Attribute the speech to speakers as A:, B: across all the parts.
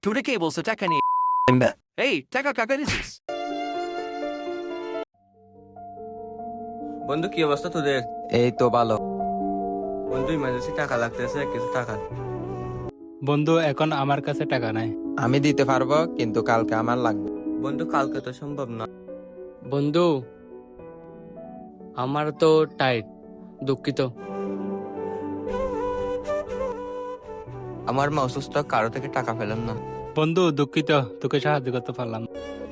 A: Tuda cables attack any. Hey, taka kakarisis.
B: বন্ধু কি অবস্থা তোদের?
C: এই তো ভালো।
B: বন্ধু ইমার্জেন্সি টাকা লাগতেছে, কিছু টাকা।
D: বন্ধু এখন আমার কাছে টাকা নাই।
C: আমি দিতে পারবো, কিন্তু কালকে আমার লাগবে।
B: বন্ধু কালকে তো সম্ভব না।
E: বন্ধু আমার তো টাইট, দুঃখিত।
B: আমার মা অসুস্থ, কারো থেকে টাকা পেলাম না।
D: বন্ধু দুঃখিত, তোকে সাহায্য করতে পারলাম না।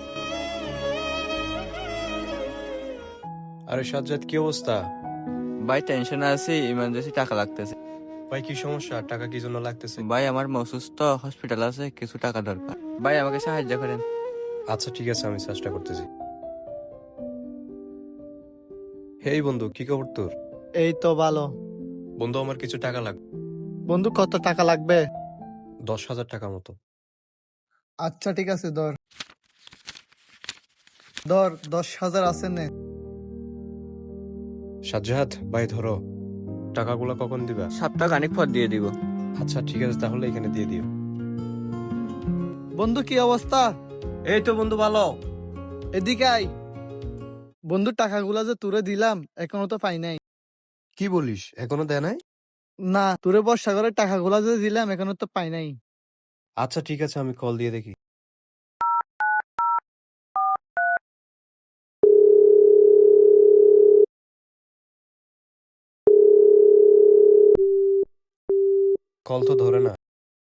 F: আরে সাজ্জাদ, কি অবস্থা?
B: ভাই টেনশনে আছি, ইমার্জেন্সি টাকা লাগতেছে।
F: ভাই কি সমস্যা? টাকা কি জন্য লাগতেছে?
B: ভাই আমার মা অসুস্থ, হসপিটাল আছে, কিছু টাকা দরকার। ভাই আমাকে সাহায্য করেন।
F: আচ্ছা ঠিক আছে, আমি চেষ্টা করতেছি। হেই বন্ধু, কি খবর তোর?
G: এই তো ভালো।
F: বন্ধু আমার কিছু টাকা লাগবে।
G: বন্ধু কত টাকা লাগবে?
F: 10,000 টাকা মতো।
G: আচ্ছা ঠিক আছে, ধর ধর 10,000 আছে নে।
F: সাজ্জাদ ভাই, ধরো টাকাগুলো কখন দিবা?
B: সপ্তাহ খানিক পর দিয়ে দিব।
F: আচ্ছা ঠিক আছে, তাহলে এখানে দিয়ে দিও।
G: বন্ধু কি অবস্থা?
F: এই তো বন্ধু ভালো।
G: এদিকে আই। বন্ধু টাকাগুলা যে তুরে দিলাম এখনো তো পাই নাই।
F: কি বলিস, এখনো দেয় নাই?
G: না, তুরে বর্ষা করে টাকাগুলা যে দিলাম এখনো তো পাই নাই।
F: আচ্ছা ঠিক আছে, আমি কল দিয়ে দেখি। কল তো ধরে না।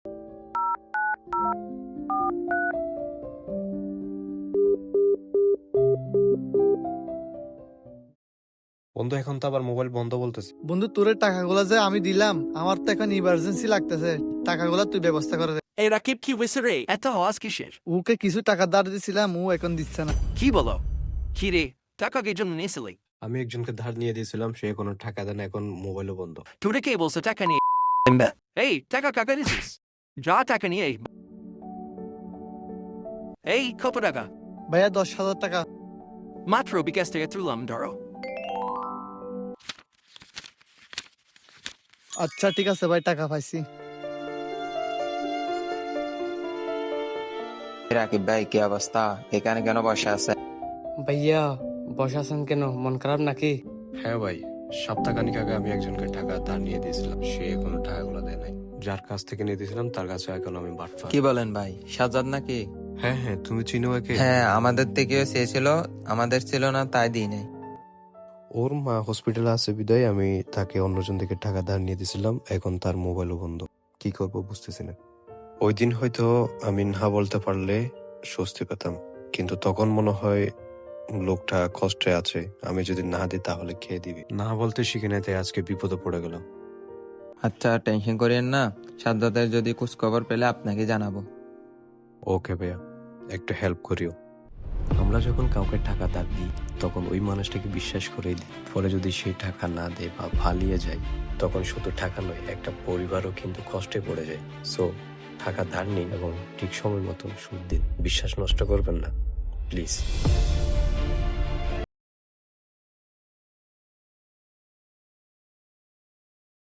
F: বন্ধু এখন তো আবার মোবাইল বন্ধ বলতেছে।
G: বন্ধু তোরে টাকাগুলা যে আমি দিলাম আমার তো এখন ইমার্জেন্সি লাগতেছে, টাকাগুলা তুই ব্যবস্থা করে দে।
A: Hey, Rakib ki wisere. Eto hawaz kishir.
G: ওকে কিছু টাকা ধার দিছিলাম, ও এখন দিচ্ছে না।
A: Ki bolo. Kire, taka gejum nisili.
F: আমি একজনকে ধার নিয়ে দিয়েছিলাম, সে কোনো টাকা দেয় না, এখন মোবাইলও বন্ধ।
A: Tuda cables attack any. Hey, taka kakarisis. Ja taka ni. Hey, kopadaga.
G: ভাইয়া 10,000 টাকা।
A: Matro bigeste etrulam daro.
G: আচ্ছা ঠিক আছে ভাই, টাকা পাইছি।
C: রাকিব ভাই, কি অবস্থা? এখানে কেন বসে আছে?
E: ভাইয়া বসে আছেন কেন? মন খারাপ নাকি?
F: হ্যাঁ ভাই, সপ্তাহখানিক আগে আমি একজনকে টাকা ধার নিয়ে দিয়েছিলাম, সে এখনো টাকাগুলো দেয় নাই। যার কাছ থেকে নিয়ে দিয়েছিলাম তার কাছে এখন আমি বাটফার।
C: কি বলেন ভাই, সাজ্জাদ নাকি?
F: হ্যাঁ হ্যাঁ, তুমি চিনো একে?
C: হ্যাঁ, আমাদের থেকেও চেয়েছিল, আমাদের ছিল না তাই দিই নাই।
F: ওর মা হসপিটালে আছে বিদায় আমি তাকে অন্যজন থেকে টাকা ধার নিয়ে দিয়েছিলাম, এখন তার মোবাইলও বন্ধ। কি করব বুঝতেছি না। ওই দিন হয়তো আমি না বলতে পারলে স্বস্তি পেতাম, কিন্তু তখন মনে হয় লোকটা কষ্টে আছে, আমি যদি না দিই তাহলে খেয়ে দিবি। না বলতে শিখে নেই, তাই আজকে বিপদে পড়ে গেল।
C: আচ্ছা টেনশন করিয়েন না, সাজ্জাদের যদি খোঁজ খবর পেলে আপনাকে জানাবো।
F: ওকে ভাইয়া, একটু হেল্প করিও। আমরা যখন কাউকে টাকা ধার দিই তখন ওই মানুষটাকে বিশ্বাস করে দিই, পরে যদি সেই টাকা না দেয় বা পালিয়ে যায় তখন শুধু টাকা নয়, একটা পরিবারও কিন্তু কষ্টে পড়ে যায়। সো টাকা ধার নিন এবং ঠিক সময় মতো সুদ দিন, বিশ্বাস নষ্ট করবেন না প্লিজ।